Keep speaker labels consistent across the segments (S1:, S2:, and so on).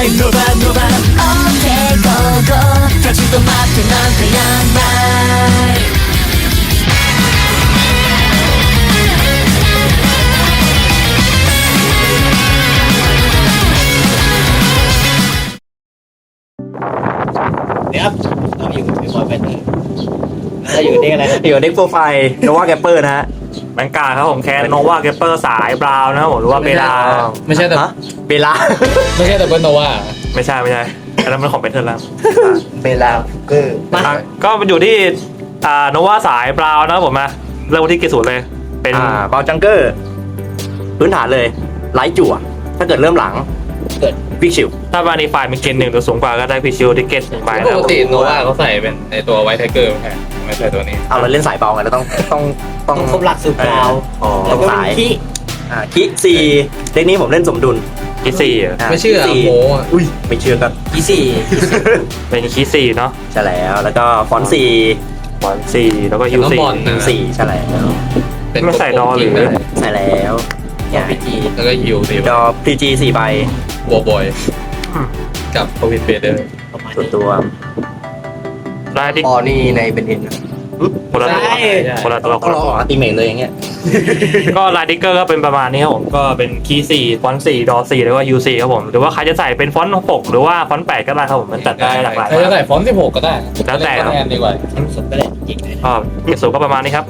S1: 노바 노바 Okay go go 다시 또 맞춰 난 그냥 말
S2: เนี่ยครับเราอยู่ในบอยแบนเดอร์เราอยู่ในอะไรนะ
S3: อยู่เด็กโปรไฟล์โนวาแกปเปอร์นะฮะแบงการครับผมแคนโนวาแกปเปอร์สายบราวน์นะครับผมหรือว่าเบลา
S4: ไม่ใช่แต่
S3: ฮะเบลา
S4: ไม่ใช่แต่เบิร์นโนวา
S3: ไม่ใช่อันนั้นมันของเป็นเทอร์แล้ว
S2: เบลาเกอร์
S3: ก็มันอยู่ที่โนวาสายบราวน์นะครับผมนะเริ่มที่เกรดศูนย์เลยเป็น
S5: บาลจังเกอร์พื้นฐานเลยไลท์จั่วถ้าเกิดเริ่มหลัง
S2: เกิด
S5: วิกชิล
S3: ถ้าบานีไฟมีเกรดหนึ่งหรือสูงกว่าก็ได้พิชิวที่เกรดหนึ่งใบ
S4: ป
S3: นะค
S4: ก
S3: รับ
S4: ติโนวาเขาใส่เป็นในตัวไวท์ไทเกอร์ไม่ใช่ตัวนี้
S5: เอาเราเล่นสายเบาไงเราต้อง
S2: ต้องครบหลักสูตรดาว
S5: อ๋อ
S2: แล้วก็
S5: สาย
S2: ที่
S5: คิสี่เด็กนี้ผมเล่นสมดุล
S3: คีสี่
S4: ไม่เชื่อ
S5: คีสี่
S4: โมอ่ะ
S5: อุ้ยไม่เชื่อก็
S2: ที่สี่
S3: เป็นคีสี่เนาะ
S5: ใช่แล้วก็ฟอนต์สี่
S3: บอลสี่แล้วก็ยู
S4: น้อง
S3: สี่
S4: บอลนะ
S5: สี่ใช่แล้ว
S4: เป็น
S3: ไม่ใส่ดอหรือ
S5: ใช่แล้วเนี่ย
S2: พีจี
S4: แล้วก็ยูดี
S5: ดอพีจีสี่ใบ
S4: วอลบอยกับโควิดเบเดอร์
S2: ประมาณ
S5: ส่วน
S2: นี้
S5: ตัว
S3: ได้ที่
S2: อ๋อนี่ในเบนเอ็น
S3: คนละตัว
S2: ใช่
S3: คนละตัว
S5: ต้องรออัลติเมทเลยอย่างเงี้ย
S3: ก็ไลดิเกอร์ก็เป็นประมาณนี้ครับผมก็เป็นคีย์สี่ฟอนต์สี่ดอสี่แล้วก็ยูสี่ครับผมหรือว่าใครจะใส่เป็นฟอนต์หกหรือว่าฟอนต์แปดก็ได้ครับผมมันจัดได้หลากหลาย
S4: ใครจะใส่ฟอนต์16ก็ได้
S3: แล้วแต่ครับ
S4: แอนดีกว่า
S2: สุดก็ได้จริงเลย
S3: ก็เกรดสูงก็ประมาณนี้ครับ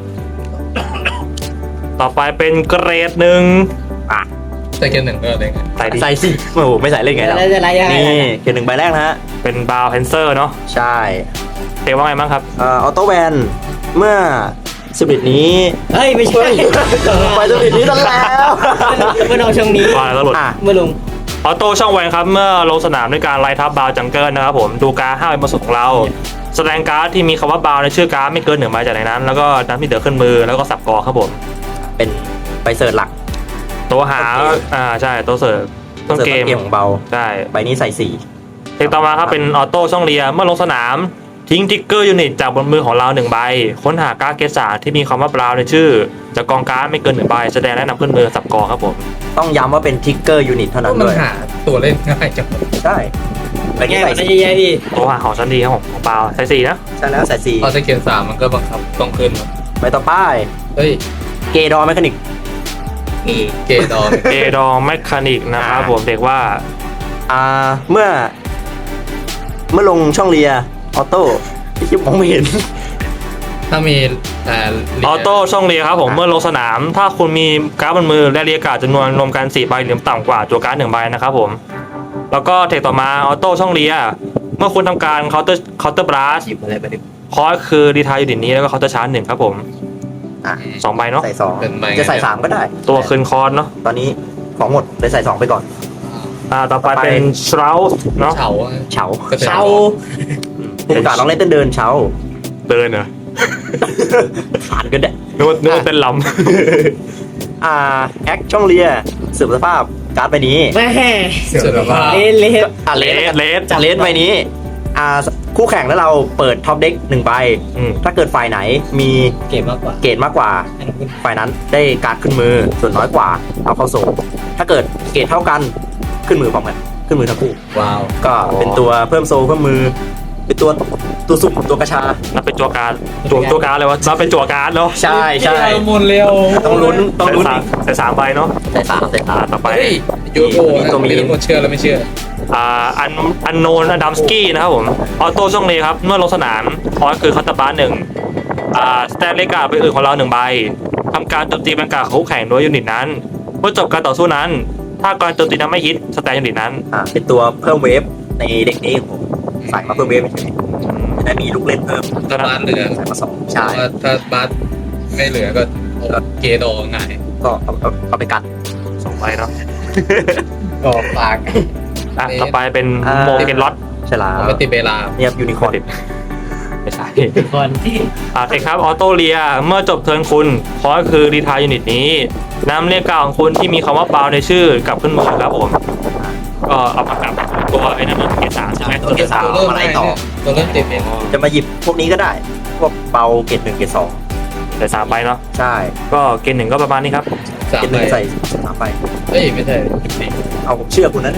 S3: ต่อไปเป็นเกรดหนึ่ง
S4: ใส่เกมหนึ่งก็ได้ไง
S3: ใส่ดี
S5: ใส่สิโอ้โหไม่ใส่เล่นไง
S2: แล้ว
S5: เรา
S2: จะอะไรยังไง
S5: นี่เขียนหนึ่งใบแรกนะฮะ
S3: เป็นบาวแฮนเซอร์เนาะ
S5: ใช่
S3: เตะว่าไงบ้างครับ
S5: ออโต้แวนเมื่อสปิริตนี้
S2: เฮ้ยไม่ใช่
S5: ไปสปิริตนี้ซะแล้ว
S2: เมื่อน้องช่วงนี้
S3: ว่าแล้วหลุด
S5: อ่ะ
S2: เมื่อลุง
S3: ออโต้ช่องแวนครับเมื่อลงสนามด้วยการไล่ทับบาวจังเกิลนะครับผมดูการ์ด5ใบบนสุดของเรา แสดงการ์ดที่มีคำว่าบาวในชื่อการ์ดไม่เกิน1ใบจากในนั้น แล้วก็นับที่เหลือขึ้นมือแล้วก็สับกอครับผม
S5: เป็นไปเสิร์ชหลัก
S3: ตัวหาใช่ตัวเสิร์ฟต้นเกม
S5: สิร์ชของเบา
S3: ใช่
S5: ใบนี้ใส่สี่
S3: เทคต่อมาครับเป็นออโต้ช่องเรียเมื่อลงสนามทิ้งทิกเกอร์ยูนิตจากบนมือของเรา1ใบค้นหาการ์ดเกรด3ที่มีคำว่าบราวในชื่อจากกองการ์ดไม่เกิน1ใบแสดงและนำขึ้นมือสับกอครับผม
S5: ต้องย้ำว่าเป็นทิกเกอร์ยูนิตเท่านั้น
S4: มัน
S5: ด้วย
S4: หาตัวเล่นง่ายจัง
S5: ใช่ใบนี้
S2: แง่
S5: ใส่
S2: มันได้
S5: สี่
S2: แย่ดี
S3: ตัวหาของชั้นดีครับผมของบราวใส่4นะ
S5: ใช่แล้วใส่สี่
S4: พอใส่เกม3มันก็บังคับต้องขึ้น
S5: ใบต่อไป
S4: เฮ้ย
S5: เกดอร์แมคานิก
S4: เกดอน
S3: เอดองแมคคานิกนะครับผมเด็กว่า
S5: เมื่อลงช่องเรียออโต้ที่มองไม่เห็น
S4: ถ้ามี
S3: ออโต้ช่องเรียครับผมเมื่อลงสนาม ถ้าคุณมีการ์ดบนมือและเรียกการ์ดจำนวนรวมกัน4ใบหรือต่ำกว่าตัวการ์ด1ใบนะครับผมแล้วก็เทคต่อมาออโต้ช่องเรียเมื่อคุณทำการเคาน์เตอร์บลัส
S2: หยิบอะไรไปดิ
S3: คอร์สคือดีทายยูนิตนี้แล้วก็เคาน์เตอร์ชาร์จ1ครับผม
S5: อ่ะ
S3: 2ใบเนาะ
S5: ใส่สอง
S4: เป็นใบ
S5: จะใส่สามก็ได้
S3: ตัวคืนคอร์สเนาะ
S5: ตอนนี้ของหมดเลยใส่สองไปก่อน
S3: ต่อไปเป็นชราลเนาะ
S4: เฉา
S5: เฉา
S2: เช้า
S5: ผู้ประกาศลองเล่นเต้นเดินเฉา
S3: เดินเหรอ
S5: ผ่านก็ได้
S3: นึกว่าเป็นล
S5: แอคช่องเรียสืบสภาพการ์ดใบนี้
S2: แม่
S4: เสือผ้า
S2: เละ
S5: เลส
S3: เลส
S5: จากเลสใบนี้คู่แข่งแล้วเราเปิดท็อปเด็ก1ใบ
S3: อืม
S5: ถ้าเกิดฝ่ายไหนมี
S2: เก็บมากกว่า
S5: เกรดมากกว่า
S2: ให้น้องขึ้น
S5: ฝ่ายนั้นได้การ์ดขึ้นมือส่วนน้อยกว่าเอาเข้าโซ่ถ้าเกิดเกรดเท่ากันขึ้นมือพร้อมกันขึ้นมือทั้งคู่
S4: ว้าว
S5: ก็เป็นตัวเพิ่มโซ่เพิ่มมือเป็นตัวสุ่มตัวกระชา
S3: นับเป็นจัวการ์ดจัวการ์ดเลยวะนับเป็นจัวการ์ดเนาะ
S5: ใช่ใช่
S4: มุนเร็ว
S5: ต้องลุ้นอีก
S3: ใส่สามใบเนาะ
S5: ใส่สามใส่สาม
S3: ต่อไป
S4: เฮ้ยยูโอนะมีทั้งหมดเชื่อแล้วไม่เชื่อ
S3: อันโนนอดัมสกี้นะครับผมออโต้ช่องเลครับเมื่อลงสนามคอร์สคือคาตาบาหนึ่งสแตนเลกาไปอื่นของเรา1ใบทำการโจมตีบรรกาของคู่แข่งโดยยูนิตนั้นเมื่อจบการต่อสู้นั้น ถ้าการโจมตีนั้นไม่ฮิตสแตนยูนิตนั้น
S5: เป็นตัวเพิ่มเวฟในเด็กนี้ของผมใส่มาเพิ่มเวฟเฉยๆจะได้มีลูกเล่นเพิ่ม
S4: ถ้าบ้านเหลือ
S5: ใส่มาสองใช่
S4: ถ้าบ้านไม่เหลือก็เกดอง่าย
S5: ก็เอาไปกัน
S3: 2ใบเนาะ
S4: ก็ฝาก
S3: ต่อไปเป็นโมเกนล็อต
S5: ใช่แล้ว
S4: ปฏิเบลา
S5: เนี่ยยูนิคอร์น
S3: ไม่ใช่
S2: คน
S3: เทคครับออโต้เรียเมื่อจบเทิร์นคุณคอร์สคือรีทายยูนิตนี้นำเรียกกล่าวของคุณที่มีคำว่าเปล่าในชื่อกลับขึ้นมือครับผมก็เอามากลับตัวไอ้นั่นเกสามใช่ไหม
S5: ตัวเกรดสาม
S4: ตัวเริ่ม
S5: มาไล่ต่อ
S4: ตัวเริ่มติดเอง
S5: จะมาหยิบพวกนี้ก็ได้ พวกเบาเกรดหนึ่งเกรดสอง
S3: ใส่3ใบเนาะ
S5: ใช่
S3: ก็เกณฑ์หนึ่งก็ประมาณนี้ครับ
S4: สาม
S5: เกรดห
S4: ใบ
S5: นึ่งใส่สามไป
S4: เฮ้ยไม่ใช่14
S5: เอาผมเชื่อคุณนะเนี่ย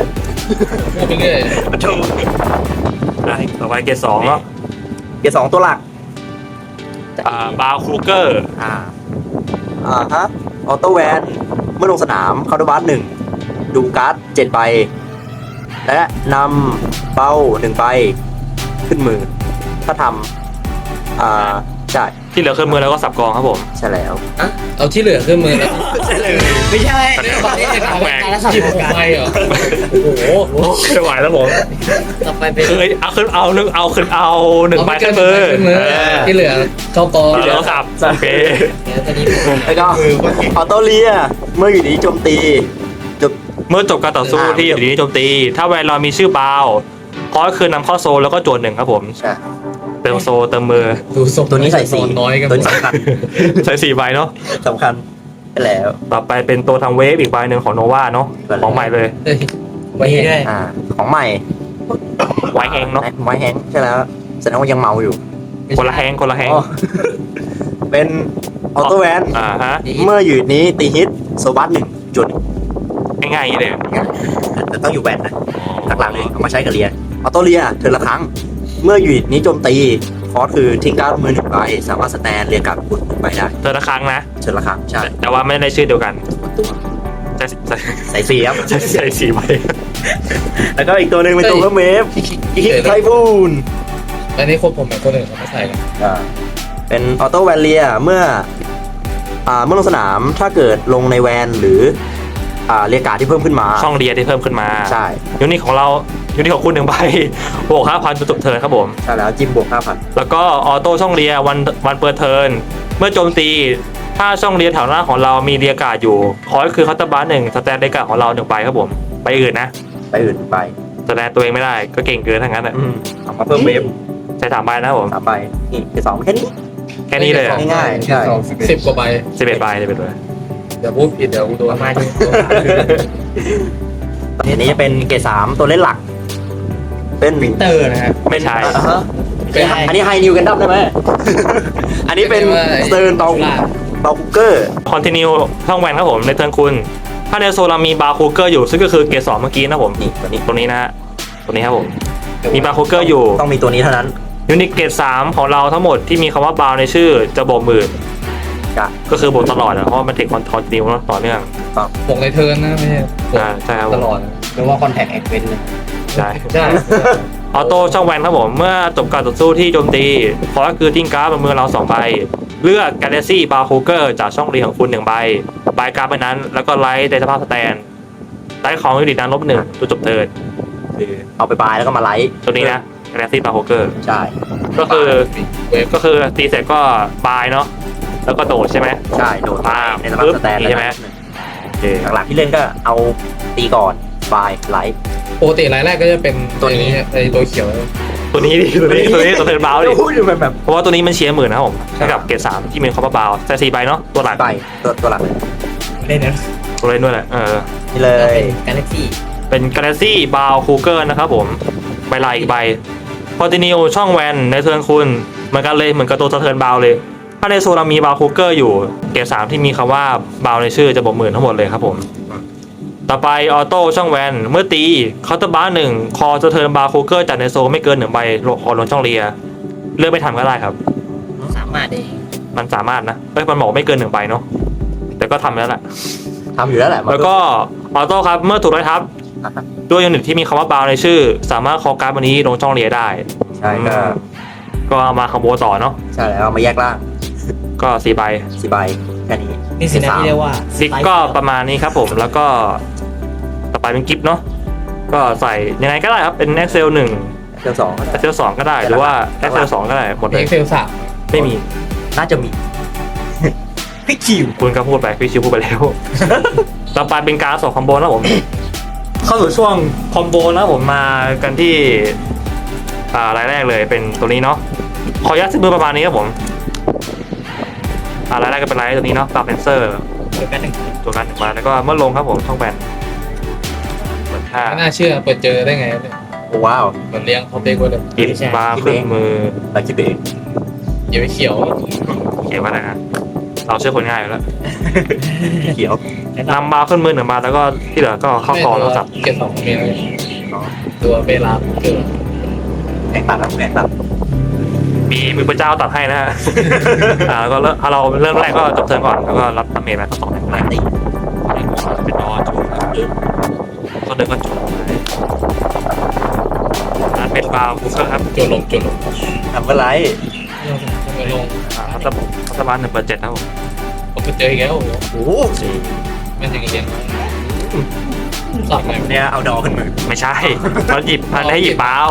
S4: พูดไปเรื่อย
S5: ถูก
S3: ต่อไปเกรด2เนาะ
S5: เกรด2ตัวหลัก
S3: บาร์คูเกอร์
S5: ฮะออโต้แวนเมื่อลงสนามคาร์ดบัส1ดูการ์ด7ใบและนำเป้า1ใบขึ้นมือ ถ้าทำใช่
S3: ที่เหลือขึ้นมือแล้วก็สับกองครับผม
S5: ใช่แล้ว
S4: อ่ะเอาที่เหลือขึ้นมือแล้ว
S5: ใช่เลย
S1: ไม่ใช่
S4: ตอนนี้เห็นเอา
S3: แหวก
S1: การละสับ
S4: หยิบ
S1: ของ
S4: ออก
S1: การ
S4: ไปเหรอโอ้โห
S3: ไม่ไหวแล้วผม
S1: ต่อไปเป็น
S3: คือเอาขึ้นเอาหนึ่งเอาขึ้นเอาหนึ่งใบขึ้นมือ
S4: ขึ้นมือที่เหลือเข้ากอง
S3: แล้วก็สับโอเค
S1: เดี๋ยวตอนนี้
S5: แล้วก็ออโต้เลียเมื่ออยู่ดีโจมตีจบ
S3: เมื่อจบการต่อสู้ที่อยู่ดีนี้โจมตี ถ้าแวนเรามีชื่อบาวพอคือนำเข้าโซลแล้วก็โจทย์1ครับผม
S5: ใช่
S3: เติมโซลเติมมือ
S4: ดูทรง
S5: ตัวนี้ใส่สี
S4: นอนน้อยกัน
S5: ตัวนี้สำคัญ
S3: ใช้4ใบเนาะ
S5: สำคัญไปแล้ว
S3: ต่อไปเป็นตัวทำเวฟอีกใบหนึ่งของโนวาเนาะของใหม่เลย
S4: เอ้ย
S1: ไว้ด้วย
S5: ของใหม่
S3: ไวแฮงเนาะ
S5: ไวแฮงใช่แล้วแสดงว่ายังเมาอยู่
S3: คนละแฮงคนละแฮง
S5: อ๋อเป็นออโต้แวน
S3: ฮะ
S5: เมื่ออยู่นี้ตีฮิตโซบัส1จุด
S3: ง่ายๆอย่างนี้เลย
S5: แต่ต้องอยู่แวนนะหลักๆเลยเอามาใช้กับเรียออโต้เรียเธอละครั้ง เมื่ออยู่นี้โจมตีคอร์สคือทิ้งการ์ดมือ1ใบสามารถสแตนเรียกการ์ดบุญ1ใบได้
S3: เธอละครั้งนะ
S5: เธอละครั้งใช่
S3: แต่ว่าไม่ได้ชื่อเดียวกัน
S5: ตัว
S3: ใช่ใช่
S5: ใส่สีครับ
S3: ใช่4ใบ
S5: แล้วก็อีกตัวหนึ่งเป็นตัวเพิ่มเวฟฮิตไทบูน
S4: อันนี้คนผมเหมือนคนอื่นเขาไม่ใส่กัน
S5: เป็นออโต้แวนเลียเมื่อลงสนามถ้าเกิดลงในแวนหรือเรียกการ์ดที่เพิ่มขึ้นมา
S3: ช่องเรียที่เพิ่มขึ้นมา
S5: ใช่
S3: ยูนิตของเรายูนิตของคุณ1ใบบวก 5,000จนจบเทิร์นครับผม
S5: ใช่แล้วจิ้มบวก 5,000
S3: แล้วก็ออโต้ช่องเรียวันเปิดเทิร์นเมื่อโจมตีถ้าช่องเรียแถวหน้าของเรามีเรียการ์ดอยู่ขอให้คือคัตเตอร์บาร์1สแตนเรียการ์ดของเรา1ใบครับผมไปอื่นนะ
S5: ไปอื่นไป
S3: แสดงตัวเองไม่ได้ก็เก่งเกินทั้งนั้นอ่ะ
S5: เอามาเพิ่มเวฟ
S3: ใช้3ใบนะครับผม
S5: 3ใบนี่คือ2แค่นี้
S3: แค่นี้เลยอะ
S5: ง่ายๆใช่
S4: 10 กว่าใบ
S3: 11ใบ11ใบ
S4: เดี๋ยวพูดผิดเดี๋ยวกูโดน
S1: ประมาณนี้
S5: อันนี้จะเป็นเกรด3ตัวเล่นหลัก เป็น
S1: วินเตอร์นะครับ
S3: ไม่ใช่
S5: อันนี้ไฮนิวกันดั้มได้ไหม อันนี้เป็นสเตอร์นเบาคุกเกอร์
S3: คอนติเนียช่องแวนครับผมในเทิร์นคุณ ถ้าในโซนเรามีบาร์คูเกอร์อยู่ซึ่งก็คือเกรด2เมื่อกี้นะผม
S5: นี่ตัวนี้
S3: ตัวนี้นะฮะตัวนี้ครับผมมีบาร์คูเกอร์อยู่
S5: ต้องมีตัวนี้เท่านั้น
S3: ยูนิตเกรด3ของเราทั้งหมดที่มีคำว่าบาร์ในชื่อจะบวกหมื่น
S5: จ้ะ
S3: ก็คือบวกตลอดอะเพราะว่ามันถึงคอนติเนียต่อเนื่อง
S4: บวกในเทิร์นนะไม่ใช่บวก
S3: ใช่ครับผ
S4: ต
S3: ม
S4: ลอด
S1: หรือว่าคอนแทคแอคเวน
S3: ใช่
S4: ใช่
S3: ออโต้ช่องแวนครับผมเมื่อจบการต่อสู้ที่โจมตีขอให้คือทิ้งการ์ดบนมือเรา2ใบเลือกกาแล็กซี่บาร์คูเกอร์จากช่องเรียงของคุณ1ใบใบการ์ดใบนั้นแล้วก็ไลท์ในสภาพสแตนไลท์ของยูนิตนั้นลบ1ตัวจบเทิร์น
S5: คือเอาไปบายแล้วก็มาไลท์
S3: ตัวนี้นะกาแล็กซี่บาร์คูเกอร์
S5: ใช่
S3: ก็คือ
S4: เวฟ
S3: ก็คือตีเสร็จก็บายเนาะแล้วก็โดดใช่ไหม
S5: ใช่โดดไปในสภาพสแตน
S3: ปึ๊บนี่ใช่ไหม โอเค
S5: หลักๆที่เล่นก็เอาตีก่อนบายไลท์
S4: ปกติรายแรกก็จะเป็น
S5: ตัวนี้
S4: ไอ้ตัวเขียว
S3: ตัวนี้ดิตัวนี้ตัวเทิร์นบาวดิ
S5: พูดอยู่แบบ
S3: เพราะว่าตัวนี้มันเชียร์หมื่นนะครับผมให้กับเกรด3ที่มีคอมบาวใส่4ใบเนาะตัวหลัก
S5: ใบตัวหลักเลย
S1: เล่นนะ
S3: ตัวเล่นด้วยแหละ
S5: นี่เลย
S1: กาแล็กซี่
S3: เป็นกาแล็กซี่บาวคูเกอร์นะครับผมใบลายอีกใบคอนติเนียช่องแวนในเทิร์นคุณเหมือนกันเลยเหมือนกับตัวเทิร์นบาวเลยถ้าในโซนเรามีบาวคูเกอร์อยู่เกรด3ที่มีคำว่าบาวในชื่อจะบวกหมื่นทั้งหมดเลยครับผมต่อไปออโต้ช่องแวนเมื่อตีเคาน์เตอร์บาร์1คอจะเทิร์นบาวคูเกอร์จากในโซนไม่เกิน1ใบขอลงช่องเรียเลือกไม่ทำก็ได้ครับ
S1: สามารถเอง
S3: มันสามารถนะมันบอกไม่เกิน1ใบเนาะแต่ก็ทำแล้วแหละ
S5: ทำอยู่แล้วแหละ
S3: แล้วก็ออโต้ครับเมื่อถูกไล่ทับด้วยยูนิตที่มีคำว่าบาวในชื่อ สามารถคอการ์ดวันนี้ลงช่องเรียได้
S5: ใช่ก็
S3: ก็เอามาคอมโบต่อเนาะ
S5: ใช่แล้วเอามาแยกล่าง
S3: ก็4ใบ
S5: 4ใบแค่นี้
S1: นี่สินะที่เรียกว่า
S3: ซิกก็ประมาณนี้ครับผมแล้วก็ต่อไปเป็นกิฟต์เนาะก็ใส่ยังไงก็ได้ครับเป็น Excel 1
S5: เทือ2ก็ได้
S3: Excel 2 ก็ได้หรือว่า Excel 2 ก็ได้หมดเลย
S4: เอ็กเซลสาม
S3: ไม่มี
S5: น่าจะมี
S1: พี่คิว
S3: คุณก็พูดไปพี่ชิวพูดไปแล้ว ต่อไปเป็นการส่งคอมโบนะผม เข้าสู่ช่วงคอมโบนะผมมากันที่รายแรกเลยเป็นตัวนี้เนาะขออนุญาตซื้อมือประมาณนี้ครับผมรายแรกก็เป็นรายตัวนี้เนาะปรับเพนเซอร์
S1: เดียวกันหนึ่ง
S3: ตัวกัน1มาแล้วก็เมื่อลงครับผมช่องแบนเปิดค่า
S4: ไม่น่าเชื่อเปิดเจอได้ไงเนี่ย
S5: โอ้ว้าว
S4: เหมือนเลี้ยงเขาเด็กไว้เลย
S3: กิฟบาร์ขึ้นมือ
S5: เราคิดเอง
S4: อย่าไปเขียว
S3: เขียนว่าอะไรนะเราเชื่อคนง่ายอยู่แล้ว
S5: เขียว
S3: นำบาร์ขึ้นมือ1 บาทแล้วก็ที่เหลือก็เข้าคอแล้วจับ
S4: เก็บสองเมตรตัวเวลาเกิด
S5: แข่งตัดครับแข่งตัด
S3: มีมือพระเจ้าตัดให้นะฮ ะ แล้วก็เราเริ่มแรกก็จบเทิร์นก่อนแล้วก็รับดาเมจมาทั้งสองแรงแรก
S5: ตี
S3: เป็นดอจูก็เดินก็จูเป็นบาวคูเกอร์ครับ
S4: โจลง
S5: ทำอะไร
S4: ลง
S3: รัฐบาล1/7ครับผม
S4: ผมไปเจออีกแล้ว
S5: โอ้โห
S4: ไม่ใช่เรียนสั่งไง
S5: เนี่ยเอาดอขึ้นมือ
S3: ไม่ใช่มันหยิบมันให้หยิบเปล่า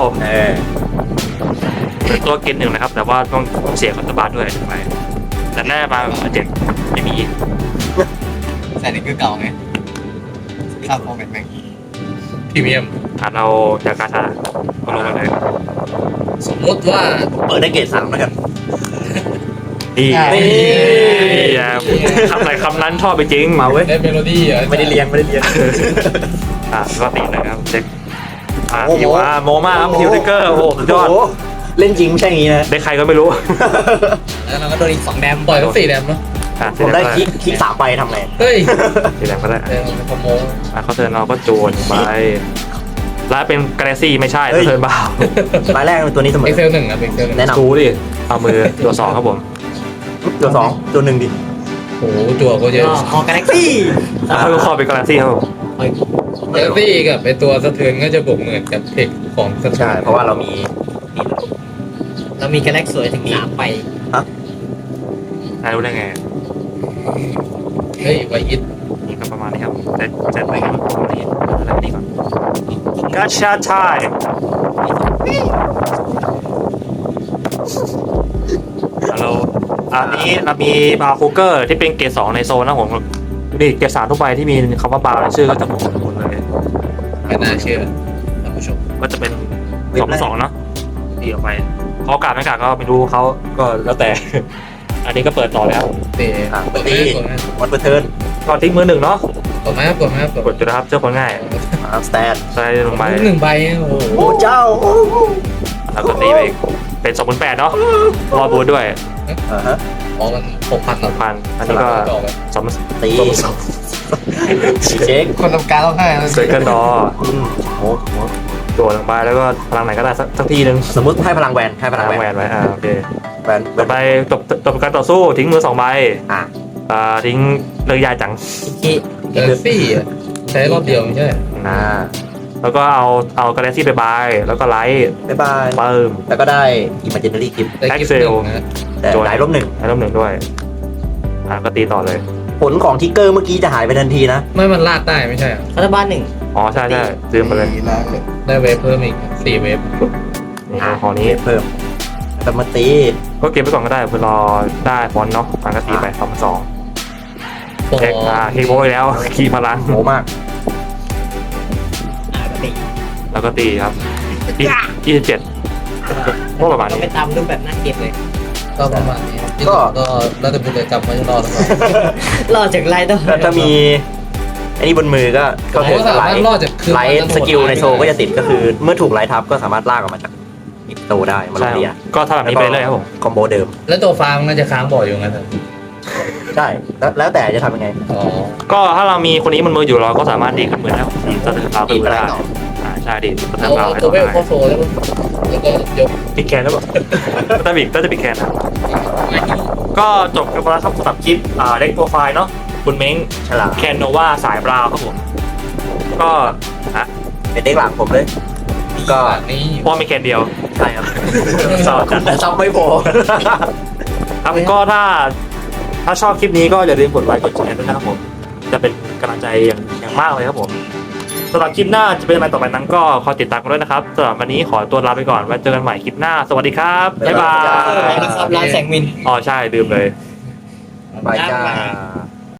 S3: เป็นตัวเกณฑ์หนึ่งนะครับ แต่ว่าต้องเสียรัฐบาลด้วยไปแต่แรกมา7ไม่มี
S2: แต่นี่คือเก่าไงข้ามโมเมนต์แม่ง
S4: พรีเมียม
S3: เราจากการชาเอาลงมาเลย
S4: สมมติว่า
S5: เปิดได้เกรด3แล้วกัน
S3: ดี
S5: นี่
S3: คำไหนคำนั้นชอบไปจริง
S5: มาเว้ย
S4: ได้เมโลดี้อ่ะ
S5: ไม่ได้เรียน
S3: ก็ตีเลยครับเช็ค
S5: โอ้โห
S3: ฮิวโมมากครับฮิวเทเกอร์โอ้โหสุดยอด
S5: โโหเล่นจริงไม่ใช่อย่างนี้นะ
S3: ได้ใครก็ไม่รู้
S2: แล้วเราก็โดนอีก2แดม
S4: ปล่อยทั้ง4แดมเนาะ
S5: ผมได้คลิก3ไปทำไง
S4: เฮ้ย
S3: สีแดงก็ได้
S4: เออขโมย
S3: เขาเทิร์นเราก็โจนไปแล้วเป็นกาแล็กซี่ไม่ใช่
S5: เฮ้ย
S3: เทิร์นบ้าร
S5: ายแรกเป็นตัวนี้เสมอ
S4: เอ็กเซล1อ่ะเอ็กเซล1
S5: แนะน
S3: ดูดิเอามือตัว2ครับผม
S5: ำตัว2ตัว1ดิ
S4: โอ้โหจั่วก็เยอะ
S2: คอกาแล็กซี่
S3: แล้วก็คอเป็นกาแล็กซี่ครับผม
S4: เมโลดี้กับไอตัวสะเทือนก็จะบวกเหมือนกับเทคของสะเทื
S5: ใช่
S4: อน
S5: เพราะว่าเรามี
S2: เรามีกาแล็กสวยถึง3ไป
S3: นายรู้ได้ไง
S4: เฮ้ยไวอิท
S3: นี่ก็ประมาณนี้ครับเจ็ดไปครับประมาณนี้แล้วนี่ก่อนกาชาไทยฮัลโหลอันนี้เรามีบาร์คูเกอร์ที่เป็นเกรด2ในโซนนะผมนี่เกรด3ทุกใบที่มีคำว่าบาร์ในชื่อก็จะหมดเลย
S4: ไม่น่าเชื่อท่านผู้ชม
S3: ก็จะเป็น2/2เนาะตีออกไปเขากาดไม่กาดก็ไม่รู้เขาก็แล้วแต่ อันนี้ก็เปิดต่อเลยครับ
S4: เตะ
S5: เปิด
S4: ก
S5: ตี
S4: ดไหม
S5: วันเปิดเทิร์น
S3: ก็ทิ้งมือหนึ่งเนาะ
S4: กดไหมกดไหมกด
S3: กดจุดนะครับเจ้าคนง่าย
S5: สแตน
S3: ใส่ลงไป
S4: 1ใบโอ้โห
S5: โอ้เจ้า
S3: แล้วก็ตีไปอีกเป็น28,000เนาะรอบูทด้วย
S5: ฮะ
S4: อ๋อมัน6,000หรอ
S3: 6,000อันนี้ก็
S4: ดอกเลย
S3: 2
S5: ตีเช็ค
S2: คนทำการร้องไห้
S3: เซคันดอ
S5: โอ้โห
S3: โดดลงไปแล้วก็พลังไหนก็ได้สักทีนึง
S5: สมมติให้พลังแวนให้พลัง
S3: พลัง
S5: แว
S3: แวน นไว้โอเค
S5: แวนแว
S3: ต่อน ไปจบการต่อสู้ทิ้งมือ2ใบ
S5: อ่ะ
S3: ทิ้งเลยยายจัง
S2: ที่
S4: เดอร์ซี่อ่ะใช้รอบเดียวไม่ใช่
S3: แล้วก็เอากาแล็กซี่ไปบายแล้วก็ไลท์
S5: บ๊ายบาย
S3: เปิม
S5: แล้วก็ได้ Imaginary Gift
S4: ได้กิฟต์
S3: Excel
S4: 1นะ
S5: แต่หลายลบหนึ่ง
S3: ให้ร่มหนึ่งด้วยก็ตีต่อเลย
S5: ผลของทิกเกอร์เมื่อกี้จะหายไปทันทีนะ
S4: ไม่มันลากได้ไม่ใช่เหรอ
S2: รัฐบาล1
S3: อ๋อใช่ลืมไปเลย
S4: ได้เวฟเพิ่มอีก4เวฟ
S3: นี่ของนี้
S5: เพิ่มแต่มาตี
S3: ก็เก็บไว้ก่อนก็ได้เพื่อรอได้ฟอนต์เนาะมันก็ตีไป2,200
S4: โอ้
S3: เช็คคีย์โบยแล้วคีย์พลัง
S5: โหมาก
S2: ปกติ
S3: แล้วก็ตีครับ27ก็ประมาณ
S2: เรา
S3: นี้
S2: ไปตามรูปแบบหน้าเก็บเลย
S4: ก็ประมาณนี้ก็แล้วแต่บุญเลยจำไม่รอดหรือเปล่าร
S2: อดจากไลท์ต้อง
S5: ถ้ามีไอ้นี่บนมือก็เข้าถึง
S4: สามารถรอดจากคืน
S5: ไลท์สกิลในโซก็จะติดก็คือเมื่อถูกไลท์ทับก็สามารถลากออกมาจากอิปโตได้มาล
S3: ใช่
S5: งเรีย
S3: ก็ถ้าแบบนี้ไปเลยครับผม
S5: คอมโบเดิม
S4: แล้วตัวฟาร์มน่าจะค้างบ่อยอยู่งั้นเถอะ
S5: ใช่แล้วแต่จะทำยังไง
S4: อ๋อ
S3: ก็ถ้าเรามีคนนี้มันมืออยู่เราก็สามารถดีขึ้นมือได้สะเทือนเราขึ้นมือได้ใช่ดีสะเทือนเรา
S4: เอา
S3: ให้
S4: ตัว
S3: ต่อ
S4: เวล
S3: ได้
S4: เข้าโซ่แล้วก็ยก
S3: ปิดแคนแล้วแบบถ้าปิดแคนนะก็จบกันไปแล้วครับสำหรับคลิปเด็กโปรไฟล์เนาะคุณเม้ง
S5: ฉลาด
S3: แคนโนวาสายบราวครับผมก็
S5: เป็นเด็กหลังผมเลย ก็
S4: นี่
S3: เพราะมีแคนเดียว
S5: ใช่ครับ
S3: สอบจัด
S5: แต่ซับไม่พอ
S3: ครับก็ถ้าชอบคลิปนี้ก็อย่าลืมกดไลค์กดแชร์ด้วยนะครับผมจะเป็นกำลังใจอย่างมากเลยครับผมสำหรับคลิปหน้าจะเป็นอะไรต่อไปนั้นก็คอยติดตามกันด้วยนะครับสำหรับวันนี้ขอตัวลาไปก่อนไว้เจอกันใหม่คลิปหน้าสวัสดีครับบ๊ายบาย
S2: นะครับร้านแสงมิน
S3: อ๋อใช่ลืมเลย
S5: ไปจ้า